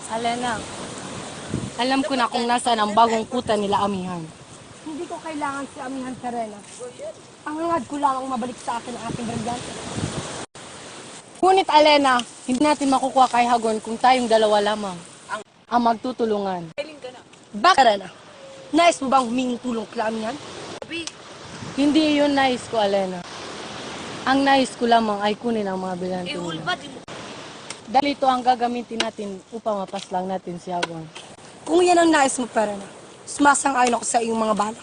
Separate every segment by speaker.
Speaker 1: Alena, alam ko na kung nasaan ang bagong kuta nila Amihan.
Speaker 2: Hindi ko kailangan si Amihan Serena. Ang hangad ko lang ang mabalik sa akin ang aking brilyante.
Speaker 1: Ngunit Alena, hindi natin makukuha kay Hagon kung tayong dalawa lamang ang magtutulungan.
Speaker 2: Bakit Serena? Nais mo bang humingin tulong kila Amihan?
Speaker 1: Hindi yun nais ko, Alena. Ang nais ko lamang ay kunin ang mga bilante nila. Dahil ito ang gagamitin natin upang mapaslang natin si Hagon.
Speaker 2: Kung yan ang nais mo, Serena, sumasang-ayon ako sa iyong mga balak.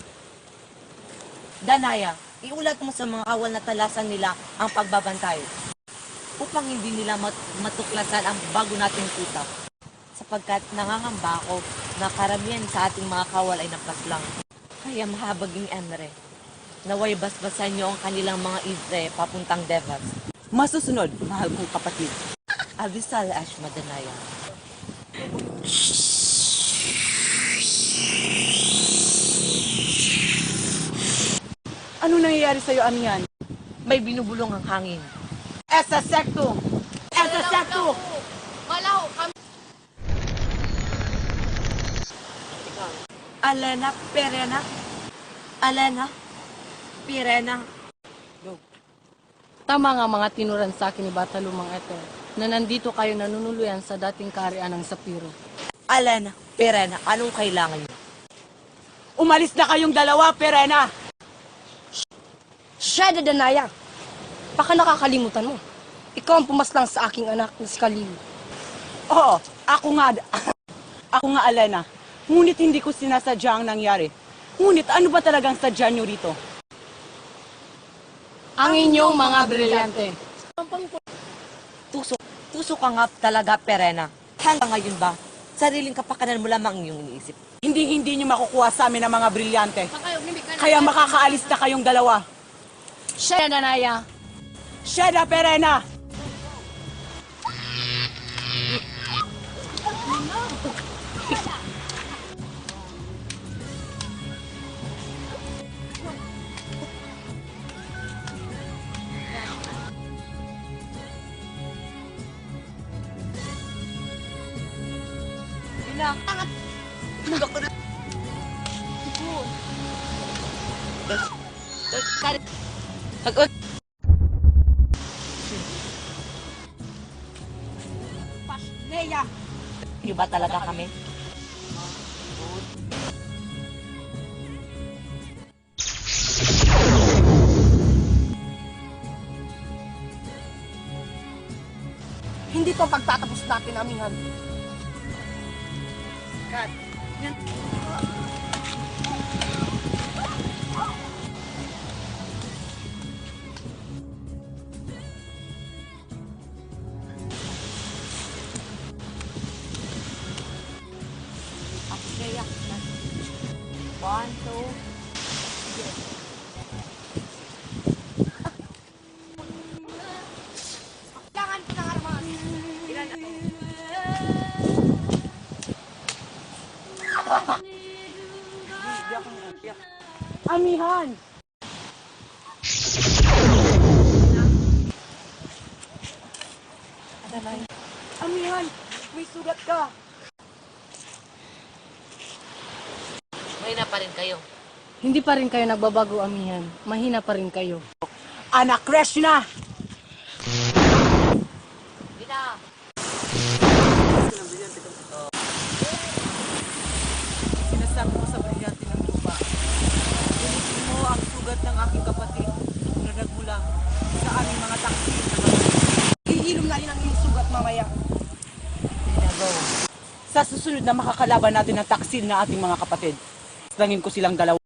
Speaker 3: Danaya, iulat mo sa mga kawal na talasan nila ang pagbabantay upang hindi nila matuklasan ang bago nating kuta. Sapagkat nangangamba ako na karamihan sa ating mga kawal ay napaslang. Kaya mahabaging Emre, naway basbasan niyo ang kanilang mga isre papuntang Devas.
Speaker 4: Masusunod, mahal kong kapatid.
Speaker 3: Abisal Ashma Danaya.
Speaker 4: Ano nangyayari sa'yo, Amihan?
Speaker 3: May binubulong ang hangin.
Speaker 4: Esa sekto! Esa sekto!
Speaker 3: Alena Perena. Alena Pirena.
Speaker 1: Tama nga mga tinuran sa akin ni Batalumang ito na nandito kayo nanunuluyan sa dating kaharian ng Sapiro.
Speaker 3: Alena Perena, anong kailangan niyo?
Speaker 4: Umalis na kayong dalawa, Perena!
Speaker 2: Shada Danaya, baka nakakalimutan mo. Ikaw ang pumaslang sa aking anak na si Kaliwi.
Speaker 4: Oo, ako nga, ako nga, Alena. Ngunit hindi ko sinasadya ang nangyari. Ngunit ano ba talagang sadya niyo rito?
Speaker 1: Ang inyong mga brilyante.
Speaker 3: Tusok ka nga talaga, Perena. Hanggang ngayon ba, sariling kapakanan mo lamang iyong iniisip.
Speaker 4: Hindi niyo makukuha sa amin ang mga brilyante. Kaya makakaalis na kayong dalawa.
Speaker 1: Siya, Danaya.
Speaker 4: Sheda, Perena!
Speaker 3: Hag-on.
Speaker 2: Leia!
Speaker 3: Hindi ba talaga kami?
Speaker 2: Hindi to ang pagtatapos natin, Amihan.
Speaker 3: Kaya, 1, 2,
Speaker 2: Kailangan ko ng armas.
Speaker 4: Amihan! Amihan! May sugat ka!
Speaker 3: mahina pa rin kayo.
Speaker 1: Hindi pa rin kayo nagbabago, Amihan. Mahina pa rin kayo.
Speaker 4: Anak Krishna!
Speaker 3: Bina!
Speaker 4: Sinasabi mo sa brilyante ng lupa. Gunitin mo ang sugat ng aking kapatid na nagmula sa aming mga taksi na
Speaker 2: Hihilom na rin ang iyong sugat mamaya.
Speaker 4: Sa susunod na makakalaban natin ang taksil ng ating mga kapatid, langin ko silang dalawa.